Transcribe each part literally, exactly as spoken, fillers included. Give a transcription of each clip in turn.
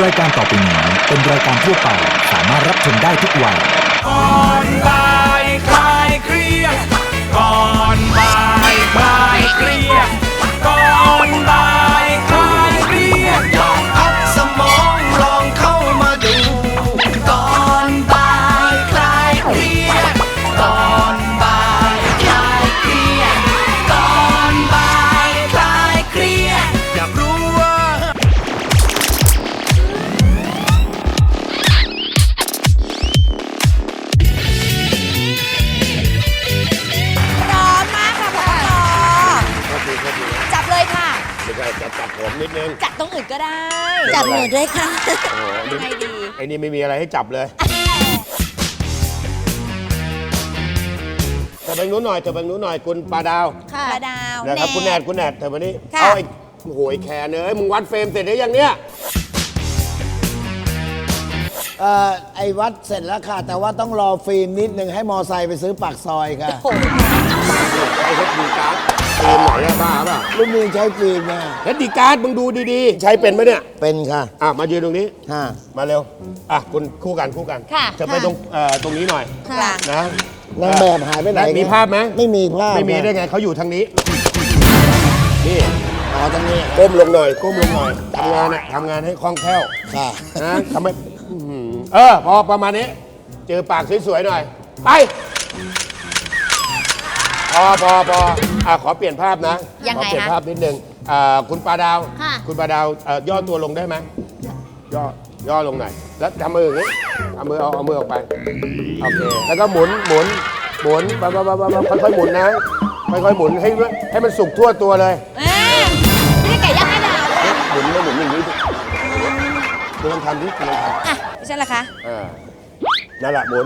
รายการต่อไปนี้เป็นรายการทั่วไปสามารถรับชมได้ทุกวัยก่อนบ่ายคลายเครียดก่อนบ่ายคลายเครียดก่อนบ่ายคลายเครียดลองพักสมองลองเข้ามาดูก่อนบ่ายคลายเครียดก่อนบ่ายคลายเครียดก่อนบ่ายคลายเครียดอยากรู้ว่าพร้อมมากค่ะพอจับเลยค่ะไม่ใช่จะจับผมนิดนึงจับตรงอื่นก็ได้จับหนูด้วยค่ะยังไงดีไอ้นี่ไม่มีอะไรให้จับเลยเธอไปนู้นหน่อยเธอไปนู้นหน่อยคุณปลาดาวค่ะดาวนะครับคุณแนทคุณแนทเธอมานี่ค่ะเอาไอ้โหยแคนเอ้ยมึงวัดเฟรมเสร็จหรือยังเนี่ยเอ่อไอ้วัดเสร็จแล้วค่ะ แต่ว่าต้องรอฟิล์มนิดนึงให้มอไซค์ไปซื้อปากซอยค่ะโอ้โหไอ้เฮดดีการ์ดเต็มไหนอะบ้าป่ะรุ่นนี้ใช้ฟิล์มนะเฮดดีการ์ดมึงดูดีๆ ใช้เป็นไหมเนี่ยเป็นค่ะอ่ะมายืนตรงนี้ฮะมาเร็วอ่ะคุณคู่กันคู่กันค่ะจะไปตรงเอ่อตรงนี้หน่อยค่ะนะนางแบบหายไปไหนมีภาพไหมไม่มีภาพไม่มีได้ไงเขาอยู่ทางนี้นี่อ๋อตรงนี้ก้มลงหน่อยก้มลงหน่อยทำงานอะทำงานให้คล่องแคล่วค่ะนะทำไมอื้อหือเออพอประมาณนี้ เจอปากสวยๆหน่อย ไป พอพอพออ่ะขอเปลี่ยนภาพนะยังไงขอเปลี่ยนคะภาพนิดนึงอ่าคุณปลาดาวค่ะคุณปลาดาวเอ่อย่อตัวลงได้ไหมย่อย่อลงหน่อยแล้วทำมืออย่างนี้เอามือเอาเอามือออกไปโอเคแล้วก็หมุนหมุนหมุนไปไปไปไปค่อยๆหมุนนะค่อยๆหมุนให้ให้มันสุกทั่วตัวเลยเอ๊ะไม่ได้ไก่ย่างให้ดาวหมุนแล้วหมุนอย่างนี้ดิคุณลองทำดิคุณลองทอ่ะดิฉันล่ะคะำอ่านั่นแหละหมุน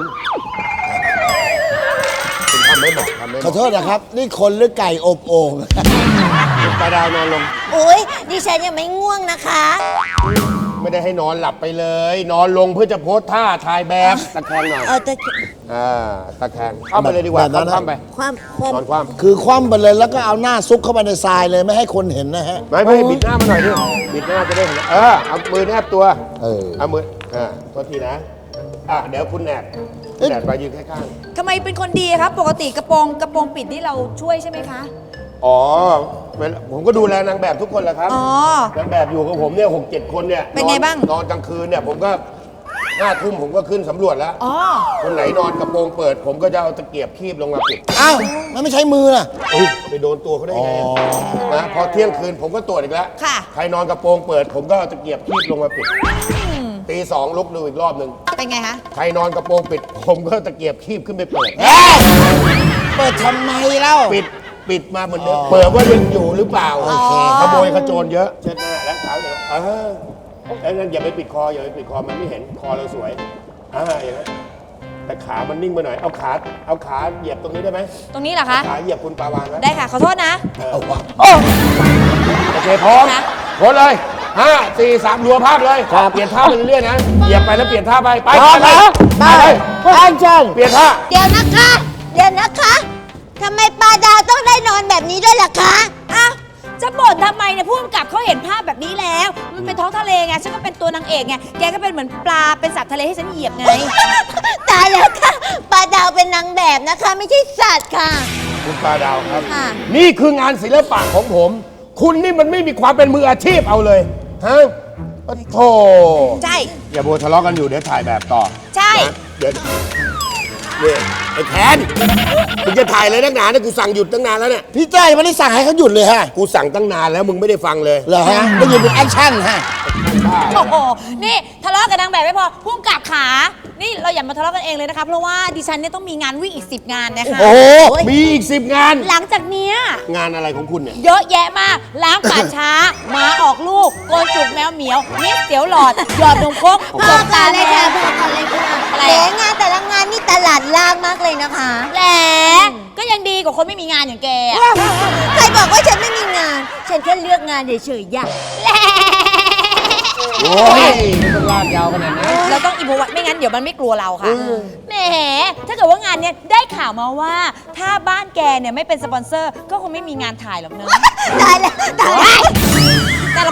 คุณทำไม่บอกทำไม่บขออก โทษนะครับ นี่คนหรือไก่อบโอ่งคุณปลาดาวนอนลงอุ้ยดิฉันยังไม่ง่วงนะคะไม่ได้ให้นอนหลับไปเลย นอนลงเพื่อจะโพสท่าถ่ายแบบตะแคงหน่อยเออแต่อ่าตะแคงเข้าไปเลยดีกว่าแบบนั้นเข้าไปความความนอนคว่คือคว่ำไปเลยแล้วก็เอาหน้าซุกเข้าไปในทรายเลยไม่ให้คนเห็นนะฮะำไม่ไม่บิดหน้ามาหน่อยดิบิดหน้าจะได้เห็นเออเอามือแนบตัวเออเอามืออ่าโทษทีนะอ่ะเดี๋ยวคุณแนบคุณแนบไปยืนข้างทำไมเป็นคนดีครับ ปกติกระโปรงกระโปรงปิดนี่เราช่วยใช่ไหมคะๆอ๋อเวลาผมก็ดูแลนางแบบทุกคนแหละครับอ๋อนางแบบอยู่กับผมเนี่ยหกเจ็ดคนเนี่ยเป็นไงบ้างนอนกลางคืนเนี่ยผมก็ห้าทุ่มผมก็ขึ้นสำรวจแล้วอ๋อคนไหนนอนกระโปรงเปิด ผมก็จะเอาตะเกียบคีบลงมาปิดอ้าว มันไม่ใช้มือล่ะเอ้ยไปโดนตัวเขาได้ไงนะพอเที่ยงคืนผมก็ตรวจอีกแล้วค่ะใครนอนกระโปรงเปิด ผมก็เอาตะเกียบคีบลงมาปิดตีสองลุกดูอีกรอบหนึ่งเป็นไงคะใครนอนกระโปรงปิด ผมก็ตะเกียบคีบขึ้นไปเปิดเปิดทำไมเล่าปิดปิดมาเหมือนเดิมเปิดว่ายังอยู่หรือเปล่าโอเคขโมยขโจรเยอะเช็ดหน้าแล้วขาวเดี๋ยวเออแล้วนั่นอย่าไปปิดคออย่าไปปิดคอมันไม่เห็นคอเราสวยอ่าอย่างนั้นแต่ขามันนิ่งไปหน่อยเอาขาเอาขาเหยียบตรงนี้ได้ไหมตรงนี้เหรอคะขาเหยียบคุณปาวานไว้ได้ค่ะ ขอโทษนะเอาวะโอ้โอเคพร้อมนะโพสเลยห้าสี่สามรัวภาพเลยเปลี่ยนท่าไปเรื่อยๆนะเหยียบไปแล้วเปลี่ยนท่าไปไปพร้อมไปแล้วไปไปเลยแอคชั่นเปลี่ยนท่าเดี๋ยวนะคะ เดี๋ยวนะคะทำไมปลาดาวต้องได้นอนแบบนี้ด้วยล่ะคะอ้าวจะบ่นทำไมเนี่ยผู้กำกับเขาเห็นภาพแบบนี้แล้ว มันเป็นท้องทะเลไง ฉันก็เป็นตัวนางเอกไง แกก็เป็นเหมือนปลา เป็นสัตว์ทะเลให้ฉันเหยียบไงตายแล้วค่ะปลาดาวเป็นนางแบบนะคะ ไม่ใช่สัตว์ค่ะคุณปลาดาวครับค่ะนี่คืองานศิลปะของผม คุณนี่มันไม่มีความเป็นมืออาชีพเอาเลยฮะโอ้โธ่ใช่อย่าโบทะเลาะกันอยู่เดี๋ยวถ่ายแบบต่อใช่นะเดี๋ยวนี่ไอ้แทนมึงจะถ่ายเลยนักหนาเนี่ยกูสั่งหยุดตั้งนานแล้วเนี่ยพี่เต้ยไม่ได้สั่งให้เขาหยุดเลยฮะกูสั่งตั้งนานแล้วมึงไม่ได้ฟังเลยเหรอฮะได้ยินเป็นแอคชั่นฮะโอ้โห นี่ทะเลาะกับนางแบบไม่พอผู้กำกับขา นี่เราอย่ามาทะเลาะกันเองเลยนะคะ เพราะว่าดิฉันเนี่ยต้องมีงานวิ่งอีกสิบงานนะคะโอ้โหมีอีกสิบงานหลังจากเนี้ยงานอะไรของคุณเนี่ยเยอะแยะมาก ล้างป่าช้า หมาออกลูก โกนจุกแมวเหมียวมิสเสียวหลอด หยอดนมครกพจอก กัตานเลแดยค่ะงพอกันเลยค่ะอะไรแหมงานแต่ละงานนี่ตลาดล่างมากเลยนะคะแหละก็ยังดีกว่าคนไม่มีงานอย่างแกอะใครบอกว่าฉันไม่มีงาน ฉันแค่เลือกงานเฉยๆอย่าแหละโอ้ยไม่ต้องลากยาวขนาดนั้นเราต้องอิมพอไว้ไม่งั้นเดี๋ยวมันไม่กลัวเราค่ะแหมถ้าเกิดว่างานเนี้ยได้ข่าวมาว่า ถ้าบ้านแกเนี่ยไม่เป็นสปอนเซอร์ ก็คงไม่มีงานถ่ายหรอกเนอะตายแล้วตายแล้วน่ารำคาญ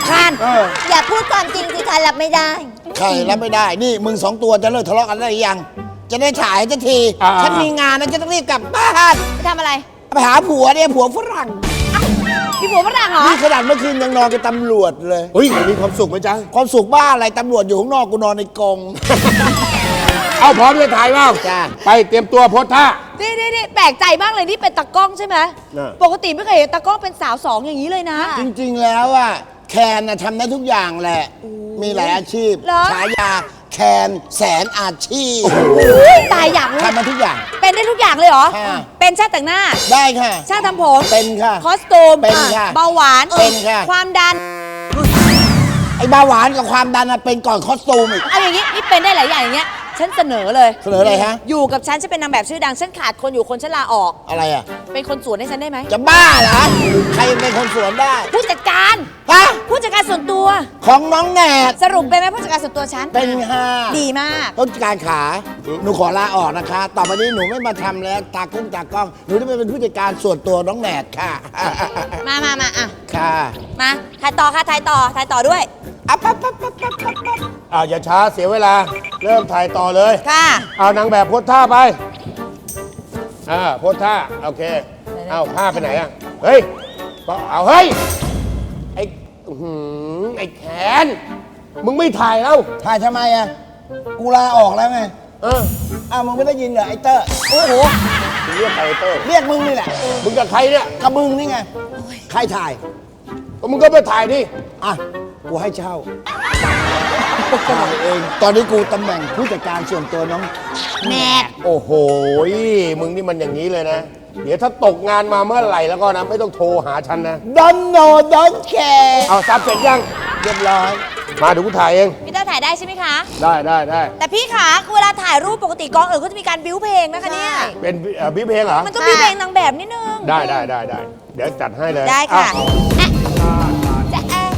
เอออย่าพูดความจริงสิคะรับไม่ได้ใครรับไม่ได้ นี่มึงสองตัวจะเลิกทะเลาะกันได้หรือยัง จะได้ถ่ายสักทีอ่าฉันมีงานนะจะต้องรีบกลับบ้านไปทำอะไรไปหาผัวเนี่ยผัวฝรั่งพี่ผัวฝรั่งเหรอนี่ขนาดเมื่อคืนยังนอนกับตำรวจเลยเฮ้ยมีความสุขไหมจ๊ะความสุขบ้าอะไรตำรวจอยู่ข้างนอกกูนอนในกรงเอาพร้อมจะถ่ายเปล่าจ้ะไปเตรียมตัวโพสท่านี่นี่นี่แปลกใจมากเลยนี่เป็นตากล้องใช่ไหมน่ะปกติไม่เคยเห็นตากล้องเป็นสาวสองอย่างนี้เลยนะจริงๆแล้วอ่ะแคนน่ะทำได้ทุกอย่างแหละ มีหลายอาชีพเหรอฉายาแคนแสนอาชีพอุ๊ยตายอยากรู้ทำมาทุกอย่างเป็นได้ทุกอย่างเลยเหรอค่ะเป็นช่างแต่งหน้าได้ค่ะช่างทำผมเป็นค่ะคอสตูมเป็นค่ะเบาหวานเป็นค่ะความดันไอ้เบาหวานกับความดันน่ะเป็นก่อนคอสตูมอีกเอาอย่างนี้นี่เป็นได้หลายอย่างอย่างเงี้ย ฉันเสนอเลยเสนออะไรฮะอยู่กับฉันฉันเป็นนางแบบชื่อดัง ฉันขาดคนอยู่คนฉันลาออกอะไรอ่ะเป็นคนสวนให้ฉันได้ไหมจะบ้าเหรอ ใครเป็นคนสวนได้ผู้จัดการฮะผู้จัดการส่วนตัวของน้องแหนดสรุปเป็นไหมผู้จัดการส่วนตัวฉันเป็นห้าดีมากต้นการขา หนูขอลาออกนะคะ ต่อไปนี้หนูไม่มาทำแล้ว ตากุ้งตากล้อง หนูจะไปเป็นผู้จัดการส่วนตัวน้องแหนดค่ะมามามาอ่ะค่ะมาถ่ายต่อค่ะถ่ายต่อถ่ายต่อด้วยอ่ะปั๊บปั๊บปั๊บปั๊บปั๊บปั๊บอ้าวอย่าช้าเสียเวลา เริ่มถ่ายต่อเลยค่ะเอานางแบบโพสท่าไป อ่าโพสท่า โอเค เอาผ้าไปไหนอ่ะ เฮ้ยก็เอาเฮ้ย ไอ้อื้อหือไอ้แขน มึงไม่ถ่ายแล้วถ่ายทำไมอ่ะ กูลาออกแล้วไงเอออ้าวมึงไม่ได้ยินเหรอไอ้เตอร์โอ้โหมึงเรียกใครเตอร์เรียกมึงนี่แหละมึงกับใครเนี่ยกับมึงนี่ไง ใครถ่ายก็มึงก็ไปถ่ายดิอ่ะ กูให้เช่าถ่ายเอง ตอนนี้กูตำแหน่งผู้จัดการส่วนตัวน้องแนทโอ้โห มึงนี่มันอย่างนี้เลยนะ เดี๋ยวถ้าตกงานมาเมื่อไหร่แล้วก็นะ ไม่ต้องโทรหาฉันนะ Don't know don't care เอาซับเสร็จยังเรียบร้อยมาเดี๋ยวกูถ่ายเองพี่เต้าถ่ายได้ใช่ไหมคะได้ได้ได้แต่พี่ขาเวลาถ่ายรูปปกติกองเอ๋ก็จะมีการบิ้วเพลงนะคะเนี่ยเป็นเอ่อพี่เพลงเหรอมันต้องบิ้วเพลงนางแบบนิดนึงได้ได้ได้ได้ เดี๋ยวจัดให้เลยได้ค่ะอ้าวอ่ะจะแอะ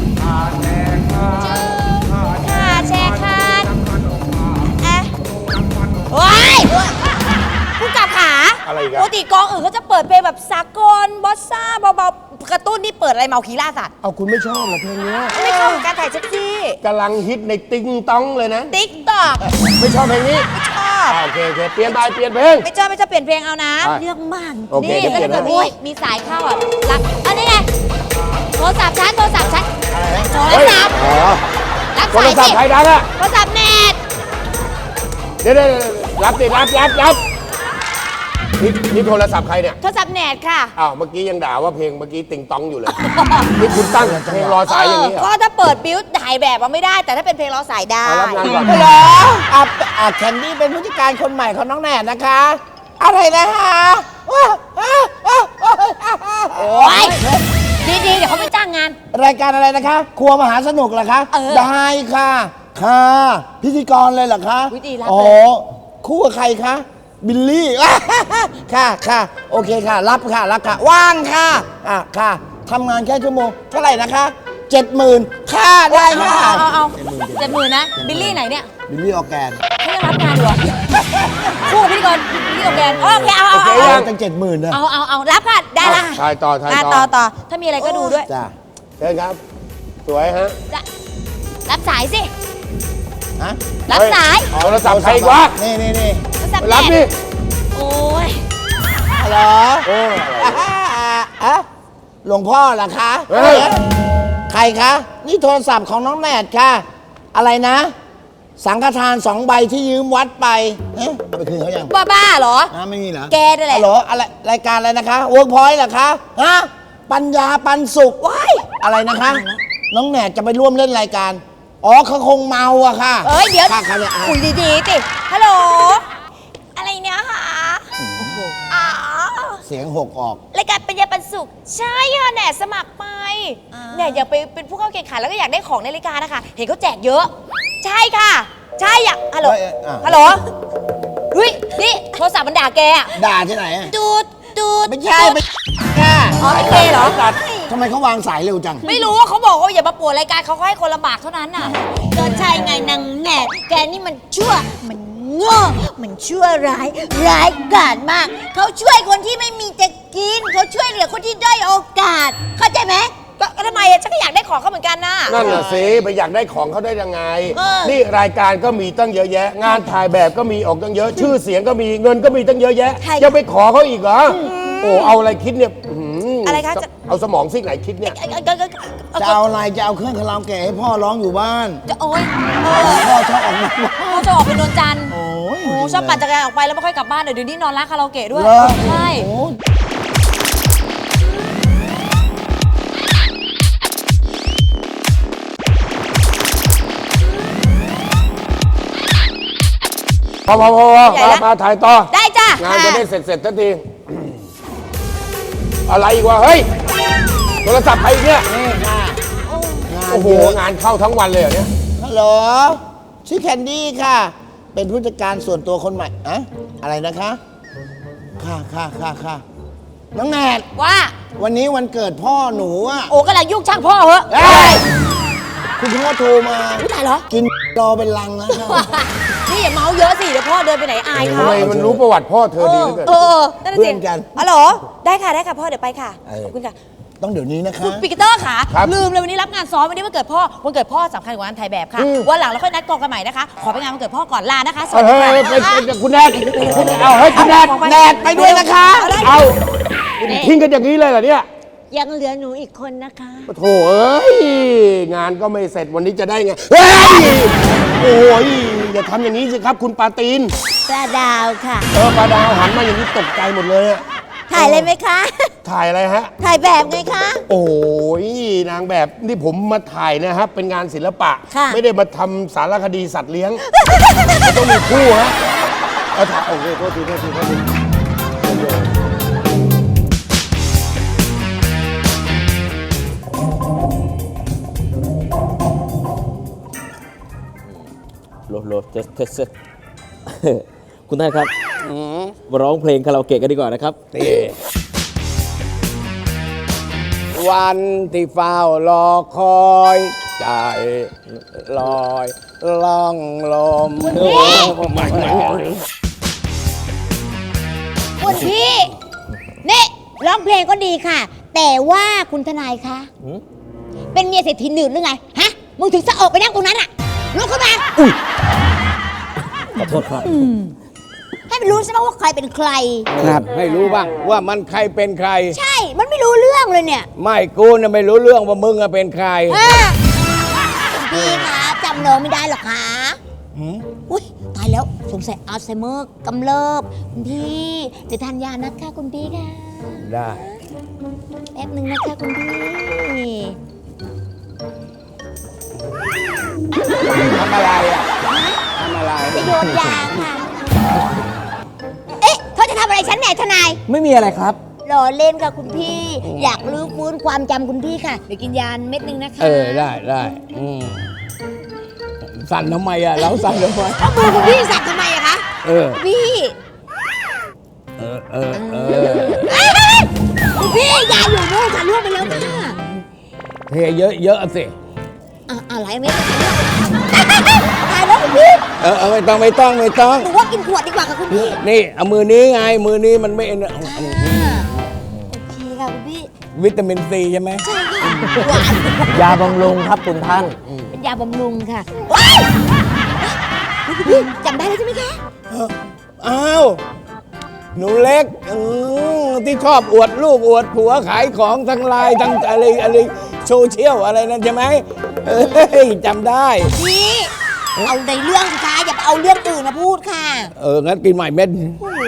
ค่ะแชร์คานอ่ะโอ้ยผู้กำกับขาอะไรอีกปอะกติกองเอ๋เขาจะเปิดเพลงแบบสากลบอสซ่าเบาๆกระตุ้นนี่เปิดอะไรเมาคีล่าสัตว์เอาคุณไม่ชอบเหรอเพลงเนี้ยไม่เข้ากับการถ่ายเซ็กซี่กำลังฮิตในติ๊งต้องเลยนะติ๊กต็อกไม่ชอบเพลงนี้ไม่ชอบอ่าโอเคโอเคเปลี่ยนไปเปลี่ยนเพลงไม่ชอบไม่ชอบเปลี่ยนเพลงเอานะอ่ะเรื่องมากโอเคนี่เดี๋ยวก็เปลี่ยนจะให้มีมีสายเข้าอ่ะรับอันนี้ไงโทรศัพท์ฉันโทรศัพท์ฉันโทรเฮ้ยศัพท์อ๋อรับโทรสายศัพสิท์ใครดังอะโทรศัพท์เน็ตเดี๋ยวเดี๋ยวเดี๋ยวรับดิรับรับรับนี่นี่โทรศัพท์ใครเนี่ยโทรศัพท์เน็ตค่ะอ้าวเมื่อกี้ยังด่าว่าเพลงเมื่อกี้ติงต้องอยู่เลย นี่คุณตั้งเพลงรอสายอย่างนี้เหรเก็อถ้าเปิดบิ้วถ่ายแบบอะไม่ได้ แต่ถ้าเป็นเพลงร้องสายได้เอารับงานก่อนเหรออ่ะอ่ะแคนดี้เป็นผู้จัดการคนใหม่ของน้องแหนดนะคะ อะไรนะคะว้าวอ้าวอ้าวอ้าวอ้าวอ้าวโอ้ยดีๆ เดี๋ยวเขาไม่จ้างงานรายการอะไรนะคะ ครัวมหาสนุกเหรอคะเออได้ค่ะ ค่ะ พิธีกรเลยเหรอคะอุ๊ยดีรับอ๋อเลยคู่กับใครคะ บิลลี่ ค่ะค่ะ โอเคค่ะ รับค่ะ รับค่ะ ว่างค่ะ อ่ะ ค่ะทำงานแค่ชั่วโมง เท่าไหร่นะคะเจ็ดหมื่นค่าได้เอาค่ะเอาเอาเอาเจ็ดหมื่นนะ บิลลี่ไหนเนี่ยบิลลี่ออร์แกนเขายังรับงานอยู่เหรอคู่กับพิธีกรบิลลี่กับแกนโอเคเอาเอาโอเคเอายังตั้งเจ็ดหมื่นนะเอาเอาเอารับค่ะได้ละถ่ายต่อถ่ายอ่ะต่ต่ออต่อถ้ามีอะไรก็ดูด้วยจ้าเชิญครับ สวยฮะจะรับสายสิฮะรับสายเฮ้โทรศัพท์ใครอีกวะนี่นี่นี่โทรศัพท์รับเน็ดิตโอ้ยฮัลโหลโอ้อ่าอ่ะหลวงพ่อเหรอคะเฮ้ยใครคะ นี่โทรศัพท์ของน้องแหนดค่ะ อะไรนะ สังฆทานสองใบที่ยืมวัดไปเอ๊ะเอาไปคืนเขายังบ้าบ้าๆเหรออ่าไม่มีเหรอแกนั่นแหละฮัลโหลอะไรรายการอะไรนะคะเวิร์กพอยต์เหรอคะฮะปัญญาปันสุขว้ายอะไรนะคะ น้องแหนดจะไปร่วมเล่นรายการ อ๋อเขาคงเมาอะค่ะเอ้ยเดี๋ยวค่ะค่ะเนี่ยอ่ะคุยดีๆสิฮัลโหลอะไรเนี่ยคะอ๋อเสียงหกออกรายการปัญญาปันสุข ใช่ค่ะแหน่สมัครไปแหน่อยากไปเป็นผู้เข้าแข่งขันแล้วก็อยากได้ของในรายการนะคะ เห็นเขาแจกเยอะ ใช่ค่ะ ใช่อยากฮัลโหลเอ้ยเอ้ยอ่ะฮัลโหลเฮ้ยนี่โทรศัพท์มันด่าแกอะด่าที่ไหนอะดูดดูดไม่ใช่ไม่ค่ะอ๋อไม่เคเหรอทำไมเขาวางสายเร็วจังไม่รู้ว่าเขาบอกว่าอย่ามาปวดรายการเขาก็ให้คนลำบากเท่านั้นน่ะก็ใช่ไงนางแหนดแกนี่มันชั่ว มันโง่มันชั่วร้าย ร้ายกาจมาก เขาช่วยคนที่ไม่มีจะกิน เขาช่วยเหลือคนที่ด้อยโอกาส เข้าใจไหมก็ก็ทำไมอะฉันก็อยากได้ของเขาเหมือนกันนะนั่นน่ะสิไปอยากได้ของเขาได้ยังไงเออนี่รายการก็มีตั้งเยอะแยะ งานถ่ายแบบก็มีออกตั้งเยอะ ชื่อเสียงก็มีเงินก็มีตั้งเยอะแยะยังไปขอเขาอีกเหรอโอ้เอาอะไรคิดเนี่ยอื้อหืออะไรคะจะเอาสมองซีกไหนคิดเนี่ยเอ้ยเอ้ยเอ้ยเอ้ยจะเอาอะไรจะเอาเครื่องคาราโอเกะให้พ่อร้องอยู่บ้านจะโอ๊ยเออพ่อชอบออกมาพ่อจะออกเป็นนวลจันทร์โอ้ยโอ้ชอบปั่นจักรยานออกไปแล้วไม่ค่อยกลับบ้านเดี๋ยวนี้นอนร้านคาราโอเกะด้วยเหรอใช่โอ้ยพอพอพอพอมามาถ่ายต่อได้จ้ะงานจะได้เสร็จเสร็จทันที อะไรอีกวะ เฮ้ย โทรศัพท์ใครอีกเนี่ยนี่ค่ะโอ้โห งานเข้าทั้งวันเลยเหรอเนี่ยฮัลโหลชื่อแคนดี้ค่ะ เป็นผู้จัดการส่วนตัวคนใหม่อะอะไรนะคะ ค่ะค่ะค่ะค่ะน้องแนทว่าวันนี้วันเกิดพ่อหนูอะโอ้กำลังยุ่งช่างพ่อเหอะเอ้ยคุณพ่อโทรมาอุ๊ยตายเหรอกินรอเป็นลังแล้วค่ะนี่อย่าเมาเยอะสิเดี๋ยวพ่อเดินไปไหนอายทำเขาไมมันรู้ประวัติพ่อเธอดีเหลือเกินเออนั่นนะเพื่สิอนกันอ๋อเหรอได้ค่ะได้ค่ะพ่อเดี๋ยวไปค่ะเออขอบคุณค่ะต้องเดี๋ยวนี้นะคะคุณปีเตอร์ค่ะครับลืมเลยวันนี้รับงานซ้อมวันนี้วันเกิดพ่อวันเกิดพ่อสำคัญกว่างานถ่ายแบบค่ะอืมวันหลังเราค่อยนัดกองกันใหม่นะคะ ขอไปงานวันเกิดพ่อก่อนลานะคะสวัเฮ้สยดีเฮ้ยค่ะเฮ้ยคุณแนทคุณเอาเฮ้ยคุณแนทแนทไปด้วยนะคะเอาทิ้งกันอย่างนี้เลยเหรอเนี่ยยังเหลือหนูอีกคนนะคะโถเอ้ย งานก็ไม่เสร็จวันนี้จะได้ไง เฮ้ย โอ้ยอย่าทำอย่างนี้สิครับ คุณปาตีนปลาดาวค่ะเออปลาดาวหันมาอย่างนี้ตกใจหมดเลยอะถ่ายเลยไหมคะถ่ายอะไรฮะถ่ายแบบไงคะโอ้ยนางแบบนี่ผมมาถ่ายนะครับเป็นงานศิลปะค่ะไม่ได้มาทำสารคดีสัตว์เลี้ยง มันต้องมีคู่ฮะเอาถ่ายโอเคโทษทีโทษทีโทษทีโหลดโหลดเทสเทส คุณท่านครับมาร้องเพลงคาราโอเกะกันดีกว่านะครับวันที่เฝ้ารอคอยใจลอยล่องลมคุณพี่นี่ร้องเพลงก็ดีค่ะ แต่ว่าคุณทนายคะ เป็นเมียเศรษฐีหนึ่งหรือไง ฮะ มึงถึงจะออกไปนั่งตรงนั้นอะลุกขึ้นมาขอโทษครับให้มันรู้ใช่ไหมว่าใครเป็นใครครับให้รู้บ้างว่ามันใครเป็นใครใช่ มันไม่รู้เรื่องเลยเนี่ยไม่กูเนี่ยไม่รู้เรื่องว่ามึงอะเป็นใครฮะคุณพี่คะจำน้องไม่ได้หรอคะอุ้ยตายแล้วสงสัยอัลไซเมอร์กำเริบคุณพี่เดี๋ยวทานยานะคะคุณพี่ค่ะได้แป๊บหนึ่งนะคะคุณพี่ทำอะไรอ่ะทำอะไรจะโยนยาค่ะ เอ๊ะเขาจะทำอะไรฉันแหน่ทนายไม่มีอะไรครับหล่อเล่นค่ะคุณพี่ อยากรื้อฟื้นความจำคุณพี่ค่ะ เดี๋ยวกินยาเม็ดหนึ่งนะคะเออได้ได้อืมสั่นทำไมอ่ะเราสั่นทำไมเอามือคุณพี่สักทำไมอะคะเออพี่เออเออเออเอ้ยคุณพี่ยาอยู่นู่นค่ะล่วงไปแล้วค่ะเทเยอะเยอะสิอ่ะอะไรเม็ดตายแล้วคุณพี่เออเออไม่ต้องไม่ต้องไม่ต้องหนูว่ากินขวดดีกว่าค่ะคุณพี่นี่เอามือนี้ไงมือนี้มันไม่อ่าโอเคค่ะคุณพี่วิตามินซีใช่ไหมใช่ค่ะหวานยาบำรุงครับคุณท่านเป็นยาบำรุงค่ะว้ายคุณพี่จำได้แล้วใช่ไหมคะอ้าวหนูเล็กอืมที่ชอบอวดลูกอวดผัวขายของทั้งไลน์ทั้งอะไรอะไรโซเชียลอะไรนั่นใช่ไหมเอ้ยจำได้พี่เอาในเรื่องสิคะอย่าไปเอาเรื่องอื่นมาพูดค่ะเออ งั้นกินใหม่เม็ดโอ้โห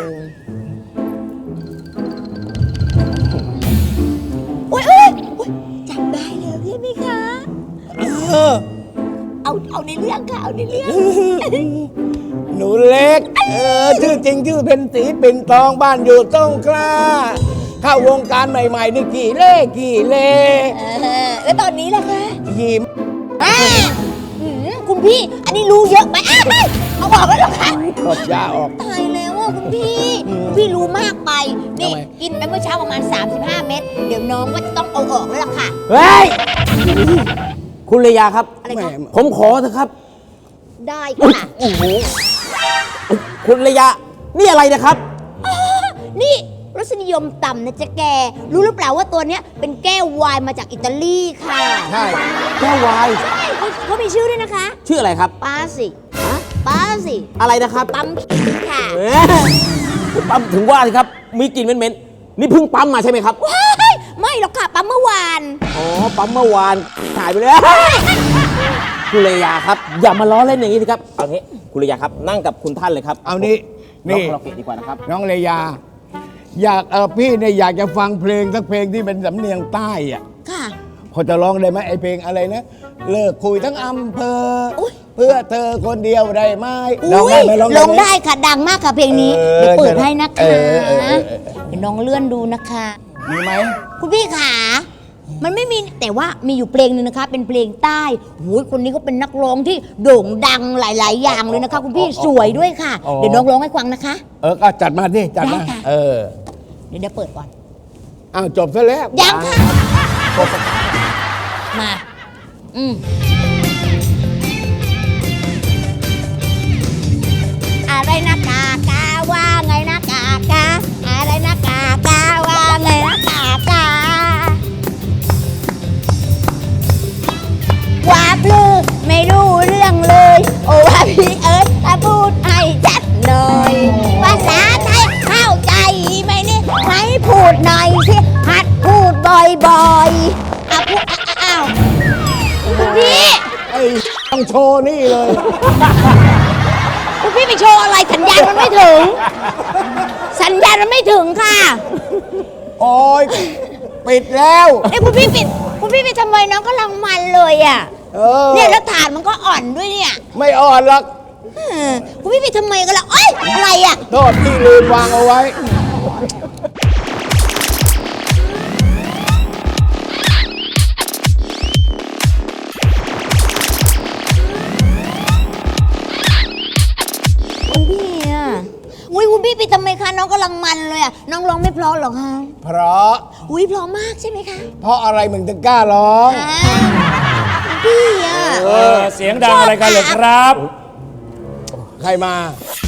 โอ้ยโอ้ยโอ้ยจำได้แล้วใช่ไหมคะเออเอาเอาในเรื่องค่ะเอาในเรื่องหนูเล็ก เออ ชื่อจริงชื่อเพ็ญศรีปิ่นทองบ้านอยู่สงขลาเข้าวงการใหม่ๆนี่กี่เล่กี่เล่เออแล้วตอนนี้ล่ะคะยิ้มอ่าหืมคุณพี่ อันนี้รู้เยอะไปอ่ะเอาออกแล้วเหรอคะกดยาออกตายแล้วอ่ะคุณพี่คุณพี่รู้มากไป นี่ทำไมกินไปเมื่อเช้าประมาณ สามสิบห้า เม็ด เดี๋ยวน้องก็จะต้องเอาออกแล้วล่ะค่ะเฮ้ย คุณเลยาครับอะไรคะผมขอเถอะครับได้ค่ะคุณเลยา นี่อะไรนะครับนี่รสนิยมต่ำนะจ๊ะแก รู้หรือเปล่าว่าตัวเนี้ยเป็นแก้วไวน์มาจากอิตาลีค่ะใช่แก้ววายเขาเขามีชื่อด้วยนะคะชื่ออะไรครับปาสิปาสิอะไรนะครับปั๊มค่ะเอ๊ะปั๊มถึงว่าสิครับ มีกลิ่นเหม็นๆนี่เพิ่งปั๊มมาใช่ไหมครับว้ายไม่หรอกค่ะปั๊มเมื่อวานอ๋อ ปั๊มเมื่อวานถ่ายไปเลยคุณเลยาครับ อย่ามาล้อเล่นอย่างนี้สิครับ เอางี้คุณเลยาครับ นั่งกับคุณท่านเลยครับเอานี่นี่นี่คาราโอเกะดีกว่านะครับน้องเลยา อยากเออพี่เนี่ยอยากจะฟังเพลงสักเพลงที่เป็นสำเนียงใต้อะค่ะพอจะร้องได้ไหมไอเพลงอะไรนะ เลิกคุยทั้งอำเภออย เพื่อเธอคนเดียวได้ไหมร้องอุ้ได้ยไหมร้องลได้งไหมได้ค่ะดังมากค่ะเพลงนี้เออเดี๋ยวเปิดให้นะคะเออเออเออเออเดี๋ยวน้องเลื่อนดูนะคะมีไหมคุณพี่ขา มันไม่มีแต่ว่ามีอยู่เพลงหนึ่งนะคะ เป็นเพลงใต้โอ้ยคนนี้ก็เป็นนักร้องที่โด่งดังหลาย ๆ อย่างเลยนะคะ คุณพี่สวยด้วยค่ะ เดี๋ยวน้องร้องให้ฟังนะคะเออก็จัดมาดิจัดมาได้ค่ะเออเดี๋ยวเดี๋ยวเปิดก่อนอ้าวจบซะแล้วยังค่ะ มา อืมอะไรนะกากาว่าไงนะกากาอะไรนะกากาว่าไงนะกากาว่าพลือไม่รู้เรื่องเลย โอ้ว่าพี่เอิร์ธถ้าพูดให้ชัดหน่อยภาษาไทยเข้าใจไหมนี่ให้พูดหน่อยสิหัดพูดบ่อยๆอ่ะพูดอ่ะอ้าวคุณพี่ไอ้ต้องโชว์นี่เลยคุณพี่ไปโชว์อะไรสัญญาณมันไม่ถึง สัญญาณมันไม่ถึงค่ะโอ้ยปิดแล้วเอ้ยคุณพี่ปิดคุณพี่ไปทำไมน้องก็ลังมันเลยอ่ะเออเนี่ยแล้วฐานมันก็อ่อนด้วยเนี่ยไม่อ่อนหรอกเออคุณพี่ไปทำไมกันล่ะเอ้ยอะไรอ่ะโทษที่ลืมวางเอาไว้คุณพี่อ่ะอุ้ยคุณพี่ไปทำไมคะน้องก็ลังมันเลยอ่ะน้องร้องไม่เพราะหรอคะเพราะอุ้ยเพราะมากใช่ไหมคะเพราะอะไรมึงถึงกล้าร้องอ่าคุณพี่อ่ะเออเสียงดังอะไรกันเหรอครับใครมา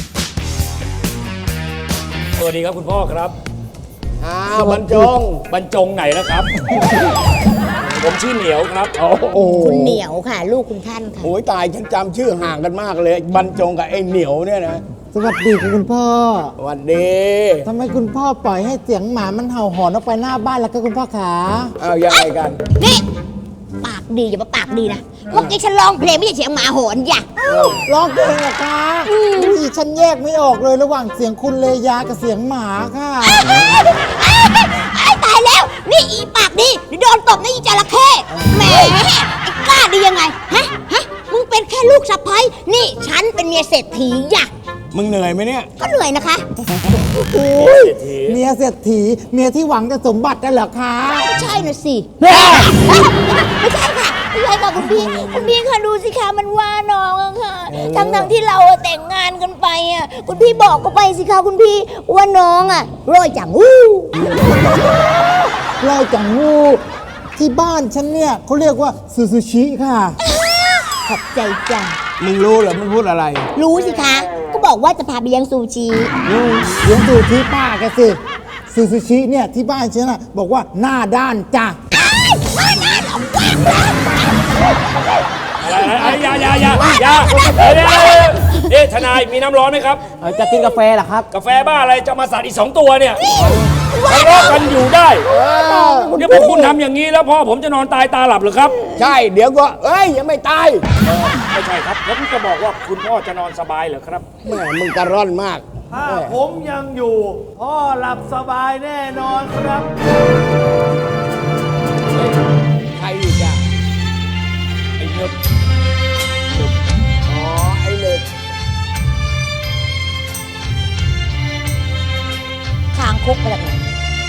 สวัสดีครับคุณพ่อครับอ้าวบรรจงบรรจงไหนแล้วครับ ผมชื่อเหนียวครับโอ้โหคุณเหนียวค่ะ ลูกคุณท่านค่ะโอ้ยตายฉันจำชื่อห่างกันมากเลย บรรจงกับไอ้เหนียวเนี่ยนะสวัสดีค่ะคุณพ่อสวัสดีทำไมคุณพ่อปล่อยให้เสียงหมามันเห่าหอนออกไปหน้าบ้านแล้วก็คุณพ่อขาเอายังไงกันนี่ ปากดีอย่ามาปากดีนะเมื่อกี้ฉันร้องเพลงไม่ใช่เสียงหมาหอนอย่าร้องเพลงเหรอคะอุ้ยฉันแยกไม่ออกเลยระหว่างเสียงคุณเลยากับเสียงหมาค่ะไอ้ตายแล้ว นี่อีปากดีเดี๋ยวโดนตบนะอีจระเข้แหมไอ้กล้าดียังไง ฮะ ฮะ มึงเป็นแค่ลูกสะใภ้นี่ฉันเป็นเมียเศรษฐีอย่ามึงเหนื่อยไหมเนี่ยก็เหนื่อยนะคะเมียเศรษฐีเมียที่หวังแต่สมบัตินั่นเหรอคะไม่ใช่น่ะสิ ไม่ใช่ค่ะ ไม่ใช่ค่ะคุณพี่ คุณพี่ค่ะดูสิคะมันว่าน้องอะค่ะ ทั้งทั้งๆที่เราอะแต่งงานกันไปอะคุณพี่บอกก็ไปสิคะคุณพี่ว่าน้องอะร้อยจังอู้ลอยจังงูที่บ้านฉันเนี่ยเขาเรียกว่าซูซูชิค่ะขอบใจจ้ะมึงรู้เหรอมันพูดอะไรรู้สิคะ ก็บอกว่าจะพาไปเลี้ยงซูชิเลี้ยงดูที่ป้าแกสิซูซูชิเนี่ยที่บ้านฉันน่ะบอกว่าหน้าด้านจ้ะอะไรอะไรอย่าอย่าอย่าอย่าเดี๋ยวเดี๋ยวเดี๋ยวเอ๊ะทนายมีน้ำร้อนไหมครับจะกินกาแฟเหรอครับกาแฟบ้าอะไรจะมาสัตว์อีกสองตัวเนี่ยทะเลาะกันอยู่ได้เดี๋ยวพวกคุณทำอย่างนี้แล้วพ่อผมจะนอนตายตาหลับหรือครับใช่ เดี๋ยวก็ เอ้ย ยังไม่ตายไม่ใช่ครับผมจะบอกว่าคุณพ่อจะนอนสบายเหรอครับแม่มึงกระร่อนมากถ้าผมยังอยู่ พ่อหลับสบายแน่นอนครับใครอีกอ่ะ ไอ้เนึบอ๋อ ไอ้เนึบคางคุกไปแบบไหน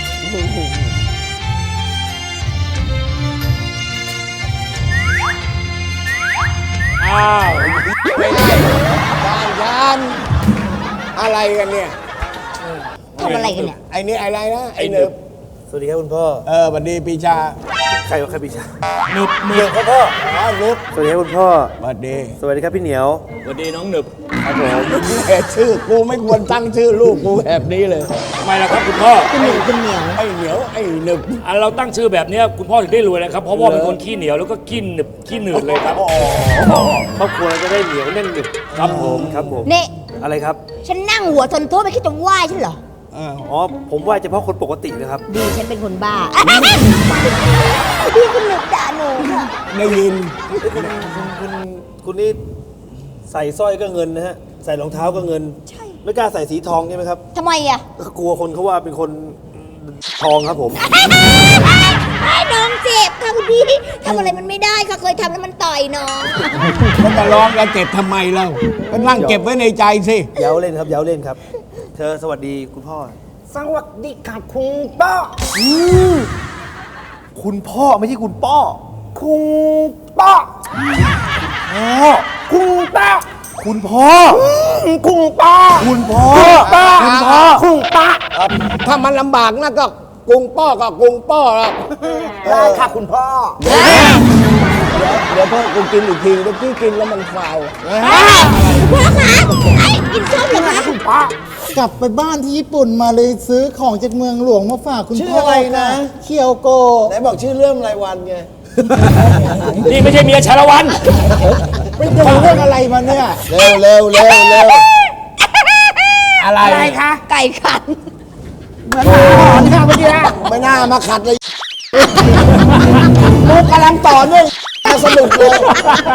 อ้าวไม่ได้ยานยานอะไรกันเนี่ยทำอะไรกันเนี่ยไอ้นี่อะไรนะ ไอ้เนึบสวัสดีครับคุณพ่อเออสวัสดีปีชาใครใครพี่ชายหนึบหนึเดี๋ยวบพ่อพ่ออ๋อนึบสวัสดีครับคุณพ่อสวัสดีสวัสดีครับพี่เหนียวสวัสดีน้องหนึบครับผมแหมชื่อกูไม่ควรตั้งชื่อลูกกูแบบนี้เลยทำไมล่ะครับคุณพ่อคุณเหนียวคุณเหนียวไอ้เหนียวไอ้หนึบอันเราตั้งชื่อแบบเนี้ยคุณพ่อถึงได้รวยนะครับเพราะว่าเป็นคนขี้เหนียวแล้วก็ขี้หนึบขี้หนืดเลยครับครอบครัวเราจะได้เหนียวแน่นหนึบครับผมครับผมนี่อะไรครับฉันนั่งหัวทนโทษไม่คิดจะไหว้ฉันเหรออ๋อผมไหว่าเฉพาะคนปกตินะครับดีฉันเป็นคนบ้า พี่คุณหนึบด่าหนูค่ะได้ยินคุณคุณคุณนี่ใส่สร้อยก็เงินนะฮะใส่รองเท้าก็เงินใช่ไม่กล้าใส่สีทองใช่ไหมครับทำไมอ่ะก็กลัวคนเขาว่าเป็นคนทองครับผมไอ้น้องเจ็บค่ะคุณพี่ทำอะไรมันไม่ได้ค่ะเคยทำแล้วมันต่อยน้องมันจะร้องกันเจ็บทำไมเล่าก็นั่งเก็บไว้ในใจสิเย้าเล่นครับเย้าเล่นครับ เธอสวัสดีคุณพ่อสวัสดีค่ะคุณป้าคุณพ่อไม่ใช่คุณป้อคุณป้าพ่อคุณป้าคุณพ่อคุณป้าคุณพ่อป้าคุณพ่อคุณป้าถ้ามันลำบากนะก็กรุงป้อก็กรุงป้อแล้วได้ค่ะคุณพ่อ เดี๋ยวเดี๋ยวพ่อกูกินอีกทีเดี๋ยวพี่กินแล้วมันฟาวพ่อคะไอ้กินส้มเหรอคะคุณป้ากลับไปบ้านที่ญี่ปุ่นมาเลยซื้อของจากเมืองหลวงมาฝากคุณชื่อพ่ออะไรนะเคียวโกไหนบอกชื่อเรื่องรายวันไงนี่ไม่ใช่เมียชาละวันไม่ดูเรื่องอะไรมาเนี่ยเร็วเร็วเร็วเร็วอะไรอะไรคะไก่ขันเหมือนหมาหอนค่ะเมื่อกี้ไม่น่ามาขัดเลยมุกกำลังต่อเนื่องสนุกเลย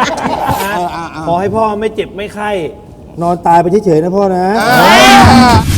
ขอให้พ่อไม่เจ็บไม่ไข้ นอนตายไปเฉยๆนะพ่อนะอ่า